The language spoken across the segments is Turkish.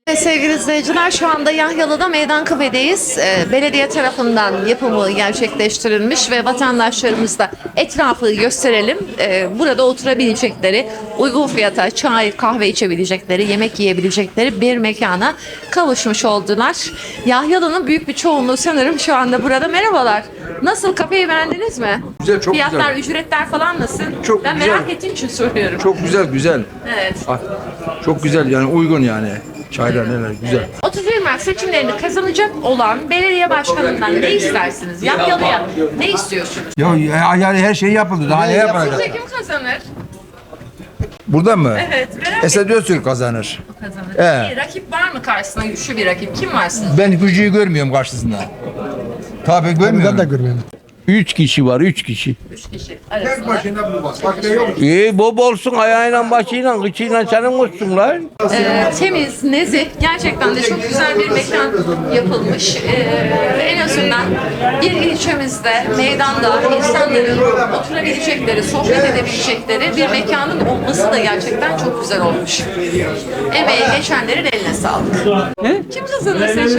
Sevgili izleyiciler, şu anda Yahyalı'da Meydan Kafe'deyiz. Belediye tarafından yapımı gerçekleştirilmiş ve vatandaşlarımız da etrafı gösterelim. Burada oturabilecekleri, uygun fiyata çay, kahve içebilecekleri, yemek yiyebilecekleri bir mekana kavuşmuş oldular. Yahyalı'nın büyük bir çoğunluğu sanırım şu anda burada. Merhabalar. Nasıl, kafeyi beğendiniz mi? Güzel, çok Fiyatlar, güzel. ücretler falan nasıl? Çok ben güzel. merak ettiğim için soruyorum. Çok güzel. Evet. Çok güzel yani uygun yani. Çaylar neler güzel. 31 Mart seçimlerini kazanacak olan belediye başkanından ne istersiniz? Yahyalı'ya ne istiyorsunuz? Ya yani her şey yapıldı. Daha ne yapacak? Sizce kim kazanır? Burada mı? Evet, merak Esed Öztürk kazanır. kazanır. Bir rakip var mı karşısında, güçlü bir rakip? Kim var sizce? Ben gücüyü görmüyorum karşısında. Tabii görmüyorum. Ben de görmüyorum. 3 kişi var, 3 kişi. 3 kişi arasında. bu bak. Bak ne yok. İyi, bol olsun ayağıyla, başıyla, kıçıyla senin olsun lan. Temiz, nezih, gerçekten de çok güzel bir mekan yapılmış. En azından bir ilçemizde, meydanda insanların oturabilecekleri, sohbet edebilecekleri bir mekanın olması da gerçekten çok güzel olmuş. Emeği geçenlerin eline sağlık. Kim kazanır seçimi?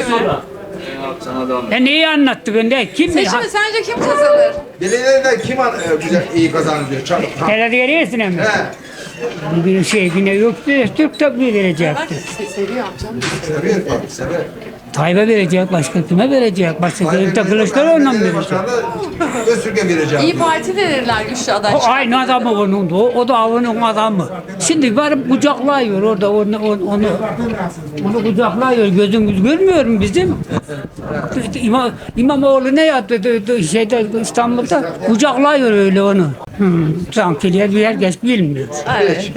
Neyi anlattı bende? Kim mi? Seçimi sence kim kazanır? Belediyede kim güzel iyi kazanır diyor. Çabuk. Belediyesine mi? He. Bir şey yine yoktu. Türk tabi verecekti. Seviyor amcam. Sever tabii sever. Tayyip'e verecek, başka kime verecek? Başka Kılıçdaroğlu'na mı verecek? Öztürk'e vereceğim. İyi Parti verirler güçlü aday. O aynı adamı onun da. O da onun adamı. Şimdi varıp kucaklıyor orada onu kucaklıyor. Gözümüz görmüyor mu bizim? İmamoğlu ne yaptı şeyde İstanbul'da? Kucaklıyor öyle onu. Sanki herkes bilmiyor. Evet.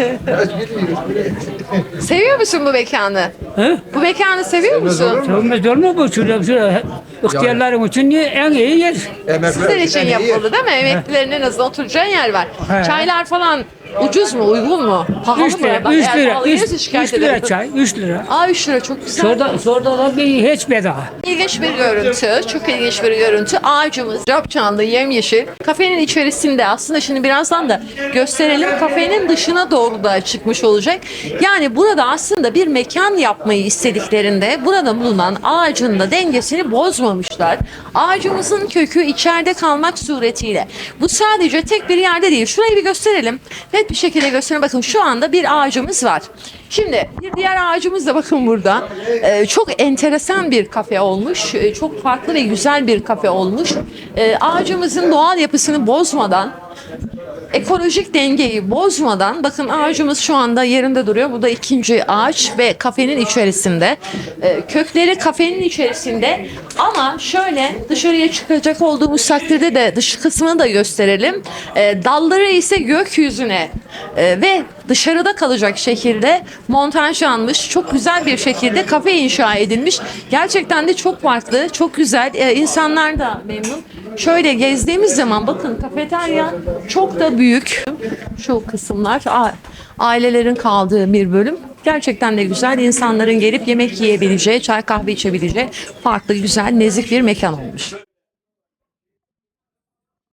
Seviyor musun bu mekanı? He? Bu mekanı seviyor musun? Sevmez olur mu bu? Şurada ihtiyarlarım için en iyi yer. Sizler için yapıldı değil mi? Emeklilerin en azından oturacağı yer var. He. Çaylar falan ucuz mu, uygun mu? Pahalı 3 mı? lira, Bak, 3 eğer lira, pahalı gelirse şikayet 3 lira ederim. çay, 3 lira. 3 lira çok güzel. Şurada da bir hiç bedava. İlginç bir görüntü, çok ilginç bir görüntü. Ağacımız capcanlı, yemyeşil. Kafenin içerisinde, aslında şimdi birazdan da gösterelim. Kafenin dışına doğru da çıkmış olacak. Yani burada aslında bir mekan yapmayı istediklerinde burada bulunan ağacın da dengesini bozmamışlar. Ağacımızın kökü içeride kalmak suretiyle. Bu sadece tek bir yerde değil. Şurayı bir gösterelim. Net bir şekilde gösterelim. Bakın şu anda bir ağacımız var. Şimdi bir diğer ağacımız da bakın burada. Çok enteresan bir kafe olmuş. Çok farklı ve güzel bir kafe olmuş. Ağacımızın doğal yapısını bozmadan, ekolojik dengeyi bozmadan, bakın ağacımız şu anda yerinde duruyor. Bu da ikinci ağaç ve kafenin içerisinde. Kökleri kafenin içerisinde, ama şöyle dışarıya çıkacak olduğumuz takdirde de dış kısmını da gösterelim. Dalları ise gökyüzüne ve dışarıda kalacak şekilde montajlanmış, çok güzel bir şekilde kafe inşa edilmiş. Gerçekten de çok farklı, çok güzel. İnsanlar da memnun. Şöyle gezdiğimiz zaman bakın, kafeterya çok da büyük. Şu kısımlar ailelerin kaldığı bir bölüm. Gerçekten de güzel. İnsanların gelip yemek yiyebileceği, çay kahve içebileceği farklı, güzel, nezih bir mekan olmuş.